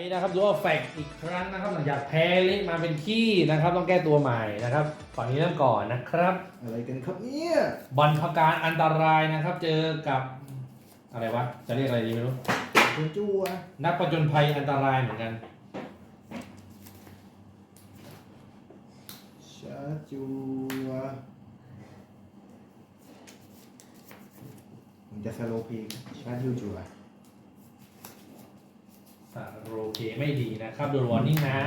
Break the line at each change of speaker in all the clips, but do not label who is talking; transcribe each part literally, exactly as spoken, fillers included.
นะครับดูว่าแฟกอีกครั้งนะครับหลังจากแพ้เละมาเป็นขี้นะครับต้องแก้ตัวใหม่นะครับฝั่งนี้เริ่มก่อนนะครับ
อะไรกันครับเนี่ย
บอลพการอันตรายนะครับเจอกับอะไรวะจะเรียกอะไรดีไม่รู้
คุณจูว
นักผจญภัยอันตรายเหมือนกัน
ชาจูวผมจะสโลพีชาจูจูว
โอเคไม่ดีนะครับโดนวอร์นิ่งนะ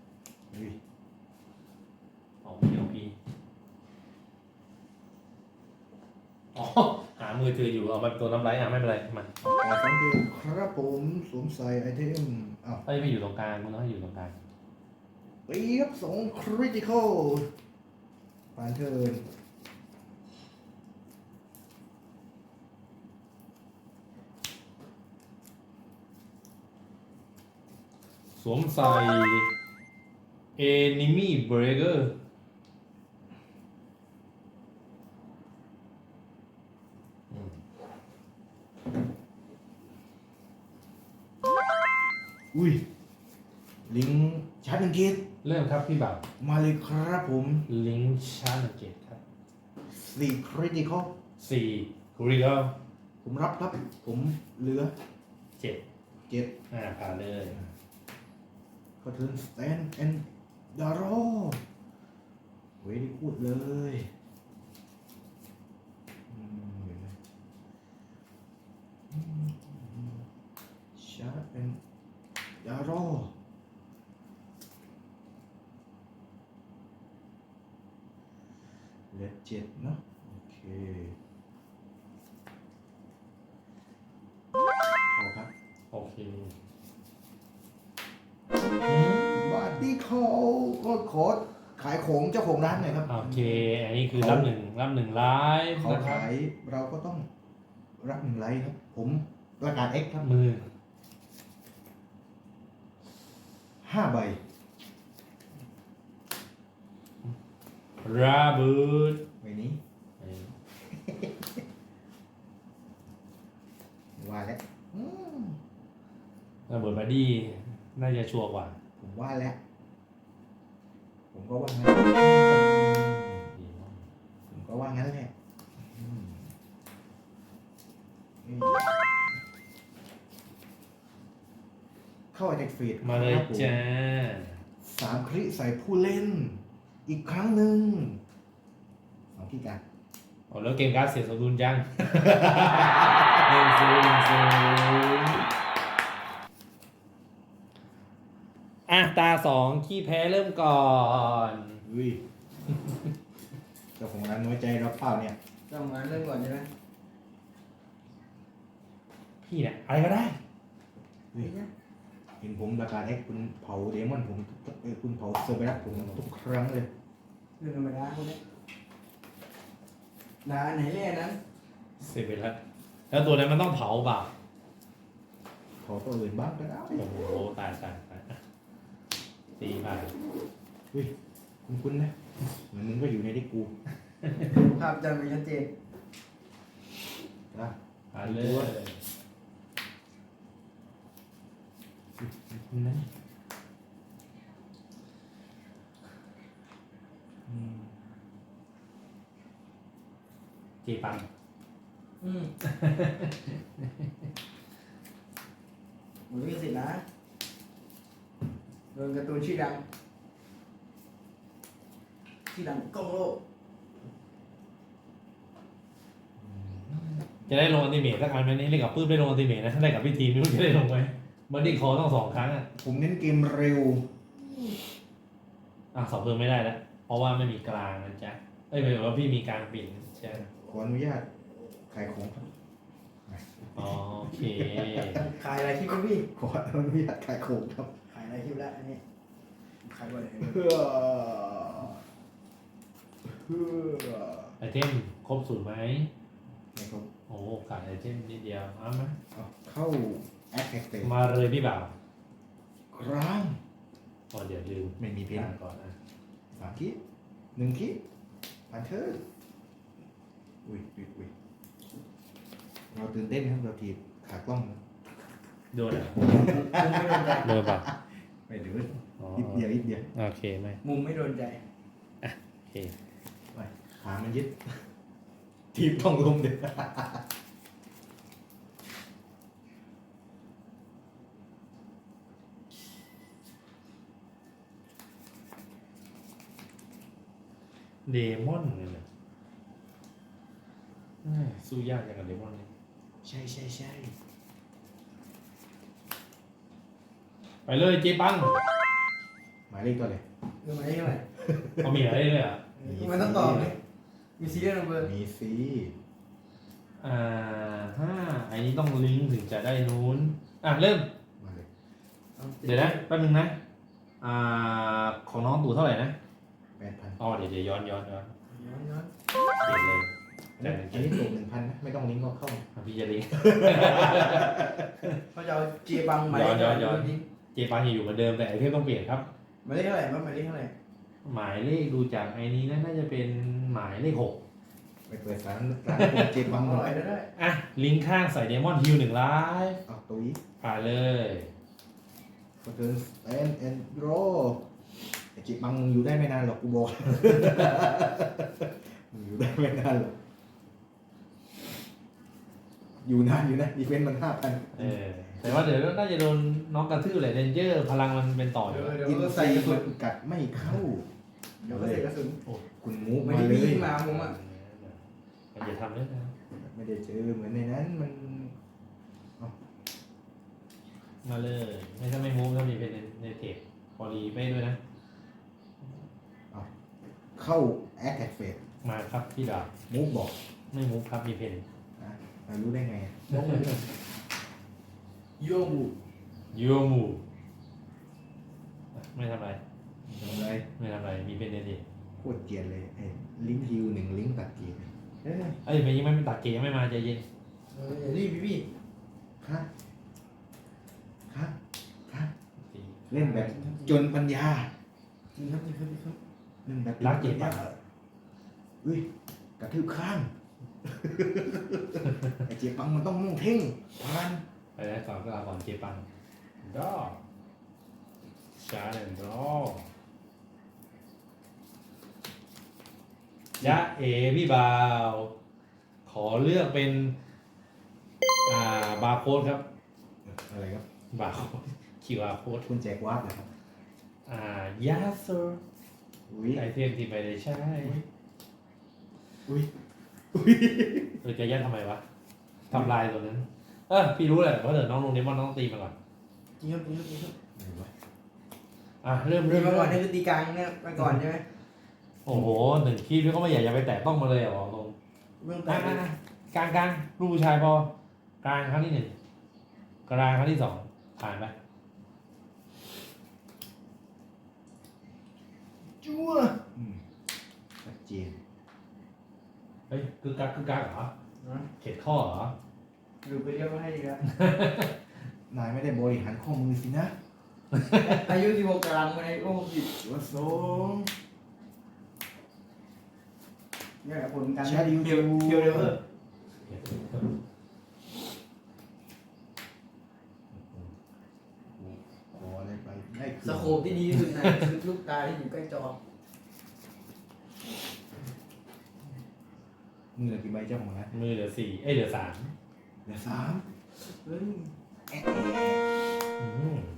อ๋อพีโอพีอ๋อหามือถืออยู่เอามาตัวน้ำไหลอ่ะไม่เป็นไรมา
แต่สองเกมครับผมสวมใส่ไอเทมอ้าว
เอ้ยไม่อยู่ตรงกลางมึงต้องให้อยู่ตรงกลาง
ปีครับสองคริติคอลผ่านเทิร์น
สวมใส่ Enemy Breaker
อุ้ยลิงชาร์จหนึ่งเกต
เริ่มครับพี่บ่าว
มาเลยครับผม
ลิงชาร์จเจ็ดครับ
สี่คริติคอล
สี่กรีก
ผมรับครับผมเหลือ
เจ็ด
เจ็ด
อ่าผ่านเลย
ก็เทิร์นสแตนแอนด์ดารอเว้ยได้พูดเลยชาร์จแอนด์ดารอเลดเจ็ดเนาะโอเคเอาครับ
โอเค
บาร์ตี้เขาก็ขอขายของเจ้าของร้านหน่อยครับ
โอเคอันนี้คือรับหนึ่งรับหนึ่งไลฟ์
เขาขายเราก็ต้องรับหนึ่งไลฟ์ครับผมประกาศ X ครับ
มือ
ห้าใบ
ราบูด
ใบนี้ว่าแล้ว
ระเบิดบอดี้น่าจะชัวร์กว่า
ผมว่าแล้วผมก็ว่างั้นผมก็ว่างั้นแหละเข้าในเฟส
มาเลยจ้า
สามคลิใส่ผู้เล่นอีกครั้งหนึ่งสองที่กัน
โอ้แล้วเกมการ์ดเสียสมดุลจังหนึ่งศูนย์หนึ่งศูนย์อ่ะตาสองขี้แพ้เริ่มก่อน
อุ้ยเจ้าของร้านน้อยใจเราเปล่าเนี่ย
เจ้าของร้านเริ่มก่อนใช่ไหม
พี่เนี่ยอะไรก็ได้
เห็นผมประกาศให้คุณเผาเดมอนผมเออคุณเผาเซอร์เบรัสผมทุกครั้งเลย
เรื่องธรรมดาคนนี้ด่าไหนเล่นนั้น
เซเบรัสแล้วตัวนั้นมันต้องเผาเปล่า
เผาตัวอื่นบ้างก็ได้
โอ้โหตายตายตายตีผ่าน
อุ้ยคุณคุณนะเหมือนมึงก็อยู่ในที่กู
ภาพจำมันชัดเจน
นะผ่านเลยคุณนะจีปัง
อืมหมดลิขสิทธิ์นะโดนการ์ตูนชื่อดังชื่อดังกล้องโลก
จะได้ลงอันติเมทสักครั้งไหมนี่เล่นกับปื้มได้ลงอันติเมทนะถ้าได้กับพี่ทีมไม่รู้จะได้ลงไหมบันดี้คอต้องสองครั้งอ่ะ
ผมเน้นเกมเร็ว
อ่ะสอบเพิ่มไม่ได้แล้วเพราะว่าไม่มีกลางนะจ๊ะเอ้ยหมายถึงว่าพี่มีกลางปิ่นใช่
ขออนุญาตขายของครับ
โอเค
ขายอะไรคลิปพี่
ขออนุญาตขายของครับ
ขายอะไรคลิปแล้วอันนี้ขายบ่อย
เพื่อเพื่อ
ไอเทมครบสูตรไหม
ไม่ครบ
โอ้ขาดไอเทมนิดเดียวเอาไหม
เข้าแอคแท็กเตอร์
มาเลยพี่บ่าว
ครั้ง
อ๋อเดี๋ยวลืม
ไม่มีเพลง
ก่อนนะ
สามคิดหนึ่งคิดผ่านเธออุ้ยอุ้ยอุ้ยเราตื่นเต้นครับเราถีบขากล้อง
โดนอ่ะ
มุมไม่โดนใจ
โดนป่ะ
ไม่ดื้อ
อ๋อ
นิดเดียวนิดเดียว
โอเคไหม
มุมไม่โดนใจ
โอเค
ไปขามันยึดทีบต้องลมเด็ด
เดมอนเลยนะอ่าสู้ยากอย่างกับเดมอนเลย
ใช่ใช่ใช่
ไปเลยเจ๊ปัง
หมายเลขตัวเลย
คือหมายเลขเท่าไหร่
เขามีอะไรเลยอ่ะ
มันต้องตอบไหมมีซีเรียลนัมเบอร์
มีซี
อ่าห้าอันนี้ต้องลิงก์ถึงจะได้นู้นอ่ะเริ่ม
มาเลย
เดี๋ยวนะแป๊บนึงนะอ่าของน้องตู่เท่าไหร่นะ
แปดพัน
อ๋อเดี๋ยวเดี๋ยวย้อนย้อนย้อน
ย้อนย้อน
เปลี่ยนเลย
อันนี้อันนี้ตกหนึ่งพันนะไม่ต้องลิงก์ก็เข้า
อ่ะพี่จะลิงก์
เขาจะเอาเจบังหมายเลข
ย้อนย้อน
นี้
เจปังยังอยู่เหมือนเดิมแต่ไอเทมต้องเปลี่ยนครับ
หมายเลขเท่าไหร่บ้างหมายเลขเท่าไหร่
หมายเลขดูจากไอ้นี้นะน่าจะเป็นหมายเลขหก
ไปเปิดร้านร้านโปรเจบัง
อ
หน่
ร่
อ
อย ยได้
อ่ะลิงก์ข้างใส่เดมอนฮิลหนึ่งไลฟ์
เอาตุ้ย
ผ่านเลย
ก็เทิร์นเอ็นเอ็นโรไอเจบังมึงอยู่ได้ไม่นานหรอกกูบอก มึงอยู่ได้ไม่นานหรอกอยู่นานอยู่นะดีเฟนต์มันห้าพัน
เออแต่ว่าเดี๋ยวน่าจะโดนน้องกระทืบแหละเดนเจอร์พลังมันเป็นต่ออ
เดี๋
ยู่
ยวเดี๋ยว
อิน
ก็ใส่
ซี
กระสุ
มัน นกัดไม่เข้า
เดี๋ยวก็ใส่กระสุน
คุณมูฟ
ไม่
มา
ได้
เล
วิ่
ย
งมาผมอ่ะ
มันจะทำด้วยนะ
ไม่ได้เจอเหมือนในนั้นมัน
มาเลยไม่ถ้าไม่มูฟถ้ามีเป็นในเทปพอรีไม่ด้วยนะ
เข้าแอคแท็กเฟส
มาครับพี่ดาบ
มูฟบอก
ไม่มูฟครับมีเพน
นะเรารู้ได้ไง
บอกเลยโยบู
ยูมูไม่ทำอะไร
ทำไร
ไม่ทำอะไรมีเพนในเทป
โคตรเกลียดเลยไอ้ลิงก์ฮิวหนึ่งลิงก์ตัดเกลียดเอ้ย
เอ้ยมันยังไม่ตัดเกมยังไม่มาใจเย็น
เอออย่ารีบพี่พี่
ครับครับครับเล่นแบบจนปัญญา
จริงครับจริงครับจริงครับ
เล่นแบบ
รักเจ็บ
ปั
ปะ
ญญาอุ้ยกระทืบข้าง ไอ้เจ็บปังมันต้องมุ่งเท่งพัน
ไปแล้วก่อนก็เอาก่อนเจปังดอชาร์ดดอยะเอพี่บาว ขอเลือกเป็น อ่า บาร์โค้ดครับ
อะไรครับ
บาร์โค้ด คิว อาร์ โค้ด
คุณแจกวาร์ปเหรอครับ
อ่ายาเซอร์
อุ้ย
ไอเทมที่ไม่ได้ใช้
อุ้ยอุ้ย
เออจะยัดทำไมวะทำลายตัวนั้น เออพี่รู้แหละเพราะเดี๋ยวน้องลงเดมอนน้องตีมาก่อน
จริงครับจริงครับจริงครับ
ไหนวะ
อ่ะ เริ่ม
เรี
เริ่
ยน
ม
มาก่อน
เริ่ม
นี่คือตีกลางเนี่ยมาก่อนใช่ไหม
โอ้โหหนึ่งคีบพี่ก็ไม่อยากจะไปแตะต้องมาเลยอ่ะบอกตรง
เรื่อง
อ่ะ
แต่
อ่ะอ่ะกลางกลางลูกผู้ชายพอกลางครั้งที่หนึ่งกลางครั้งที่สองผ่านไป
จั่วอืมชัดเจน
เฮ้ยคือกักคือกักเหรอเข็ดข้อเหรอ
หรือไปเรียกว่าให้ดีแล้ว
นายไม่ได้บริหารข้อมือสินะ
อายุสิบหกกลางมาในโอ้สิบ
จั่วสอง
เนี่ยผลการ
ชาดิว
เพียวเพียวเดเวอร์
ขออะไรไปได้คื
สโคปที่ดีที่สุดนะคือลูกตาที่อยู่ใกล้จอ
มือเหลือกี่ใบเจ้าของร้าน
มือเหลือสี่เอ้ยเหลือสาม
เหลือสาม
เฮ้ย
แอะแอะ
อืม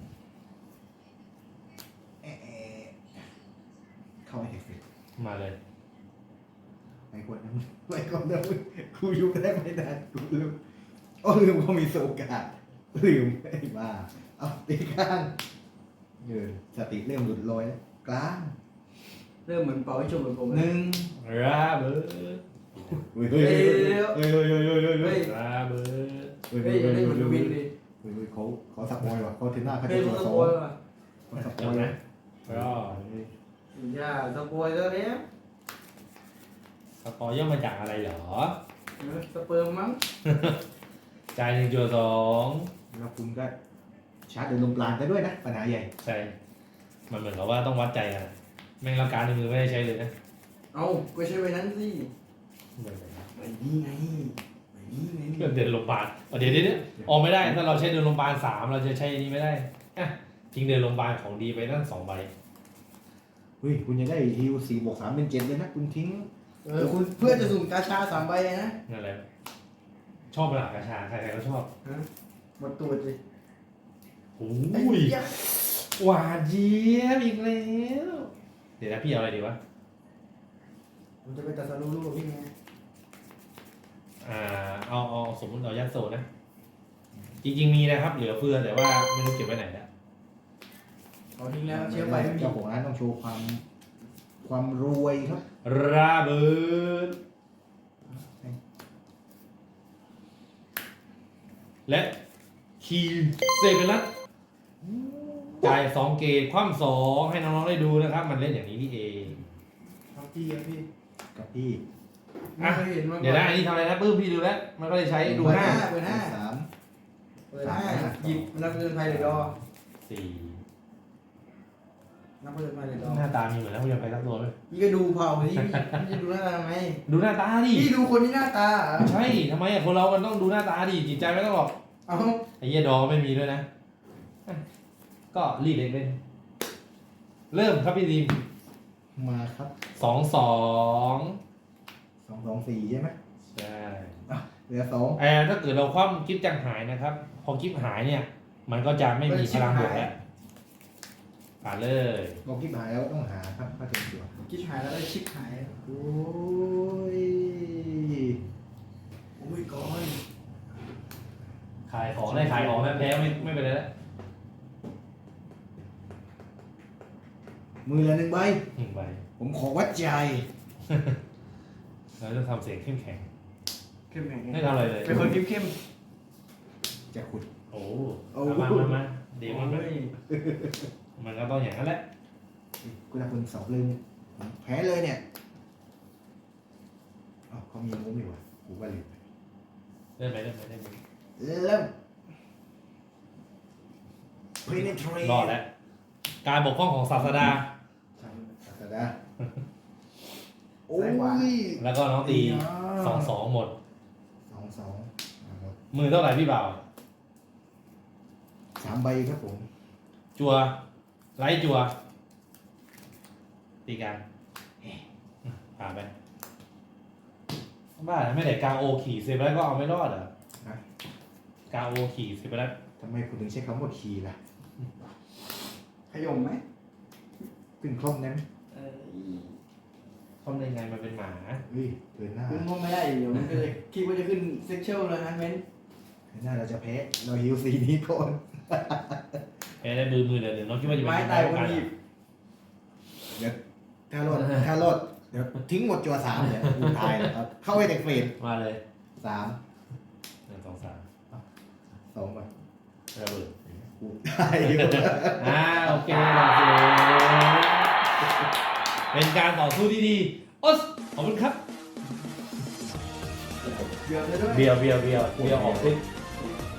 แอะแอะเข้าไอเทคเฟส
มาเลย
ไอ้คนนั้นไอ้คนนั้นกูอยู่ได้ไม่นานกูลืมโอ้ลืมเขามีโอกาสลืมไอ้บ้าเอาตีข้างเออสติเริ่มหลุดลอยแล้วกลาง
เริ่มเหมือนเป่าให้ชมเหมือนผม
ห
เลย
นึ่ง
ราเบิร์ด
เฮ้ยเฮ้ยเฮ้ยเฮ้ยเฮ้ยเฮ้ยเฮ้ยเฮ้ยเฮ้ยเฮ้ย
ราเบิร์ด
เฮ้ย
เฮ้
เฮ้
ย
ย
ได้
เฮ้ย
เหมือน
เฮ้ย
วินเลย
เฮ้ยเขาเขาสปอยว่ะเขาเทน่าเขา
เฮ้
จะ
ย
ตัว
มันส
สอ
ป
ง
อยล์ว่ะ
เขาสป
จ
อย
บนะ
นะ
ก็
อย่าสปอยล์แล้วเนี่ย
สปอยย่อมาจากอะไรเหรอ
สเปิร์มมั้ง
จ่ายหนึ่งจุดสอง
แล้วคุณก็ชาร์จเดินลมปราณได้ด้วยนะปัญหาใหญ่
ใช่ มันเหมือนกับว่าต้องวัดใจกันอะแม่งรับการในมือไม่ได้ใช้เลยนะ
เอาก็ใช้ไว้นั้นสิ
เหมือนกันนะ
ไว้นี่ไงไว้
เดินโรงพยาบาลเอาเดี๋ยวเดี๋ยวเดี๋ยวออกไม่ได้ถ้าเราใช้เดินโรงพยาบาลสามเราจะใช้อันนี้ไม่ได้อ่ะจริงเดินโรงพยาบาลของดีไปนั่งสองใบ
เฮ้ยคุณจะได้ฮิวสี่บวกสามเป็นเจ็ดเลยนะคุณทิ้ง
เออคุณเพื่อจะสุ่มกาชาสามใบเลยนะ
นั่นแหละชอบเวลากระชาใครๆก็ชอบ
ฮะหมดตัวสิ
โอ้
ไอ้
ย
เหี้ย
หวานเจี๊ยบอีกแล้วเดี๋ยวนะพี่เอาอะไรดีวะ
ผมจะไปตัดสรุปลูกพี่ไง
อ่าเอาเอาสมมติเอายัดโซนะ จริงๆมีนะครับ เหลือเฟือแต่ว่าไม่รู้เก็บไว้ไหนแล้ว
เอาทิ้งแล้วเชื้อไฟไม่มี
เจ้าของร้านต้องโชว์ความความรวยครับ
ระเบิดและคีเซเบลัสจ่ายสองเกตคว่ำสองให้น้องๆได้ดูนะครับ มันเล่นอย่างนี้นี่เอง
ครับพี่ครับพี่
กับพี่
ไม่เคยเห็นมาก่อน
เดี๋ยวนะอันนี้ทำอะไรนะปื้มพี่ดูแล้ว มันก็เลยใช้ดูห้า
เปิดห้า
สาม
เปิดห้าหยิบนับเงินไฟเลยดอ
สี่
นับเงินไฟเลยดอ
หน้าตามีเหมือนนักเรียนไปสักตัวไหม
พี่ก็ดูเผาสิพี่จะดูหน้าตาทำไม
ดูหน้าตาดิ
พี่ดูคนที่หน้าตาเหรอ
ใช่ทำไมอะคนเรามันต้องดูหน้าตาดิจิตใจไม่ต้องหรอก
เอา
ไอ้เหี้ยดอไม่มีด้วยนะ ก็รีดเล่นเล่นเริ่มครับพี่ดีม
มาครับ
สองสอง
สองสองสี่ใช่ไหม
ใช่
เหลือสอง
เออถ้าเกิดเราคว่ำกิฟต์จังหายนะครับ พอกิฟต์หายเนี่ย มันก็จะไม่มีพลังบวกแล้วผ่านเลย
บอกที่หายแล้วต้องหาครับถ้าเป็นตัว
คิดหายแล้วได้ชิปหาย
โอ้ย
โอ้ยก้อน
ขายของได้ขายของแล้วแพ้ไม่ไม่เป็นไรแล้ว
มือละหนึ่งใบ
หนึ่งใบ
ผมขอวัดใจ
เราจะทำเสียงเข้มแข็ง
เข้มแข็ง
ไม่ทำอะไรเลย
เป็นคนเข้มเข้ม
จะขุด
โอ้
โอ้
มามามาเดี๋ยวมันไม่มันก็ต้องอย่างนั้นแหละ
คุณละคุณสองลืมผมแพ้เลยเนี่ยอ๋อเขามีมุ้งอยู่ว่ะกูก็ลืม
ได้ไหมได้ไหมได้ไหม
เริ่ม penetrate
รอดแล้ว การบกพร่องของศาสดา
ศาสดาโอ้ย
แล้วก็น้องตีสองสองหมด
สองสองอ่าหมด
มือเท่าไหร่พี่บ่าว
สามใบครับผม
จัวไลท์จัว ตีกันผ่านไปบ้าไม่ได้กาโอขี่เซฟแล้วก็เอาไม่รอดเหรอ
นะ
กาโอขี่เซฟแล้ว
ทำไมคุณถึงใช้คำว่าคีย์ล่ะ
ขยมไหม
ขึ้นครบนั้น
เออ
ทำได้ไงมันเป็นหมา
เฮ้ยเดินหน้า
คุณพ่อไม่ได้เดี๋ยวมันก็เลยคิดว่าจะขึ้นเซ็กชวลเลยนะเม้น
เดินหน้าเราจะแพ้เราฮิวซีนี้ก่อน
แพ้ได้มือมือเดี๋ยวน้องคิดว่าจะเป็น
ไม้ตายคนหยิบ
เดี๋ยวถ้ารอดถ้ารอดเดี๋ยวทิ้งหมดจัวสามเนี่ยกูตายแล้วครับเข้าไปแต่เฟรม
มาเลย
สาม
หนึ่งสองสาม
สองไป
ระเบิด
กูตายอยู่
อ่าโอเคโอเคเป็นการต่อสู้ที่ดีโอ๊สขอบคุณครับ
เกือบเลยด้วย
เบียวเบียวเบียวเบียวออกซิก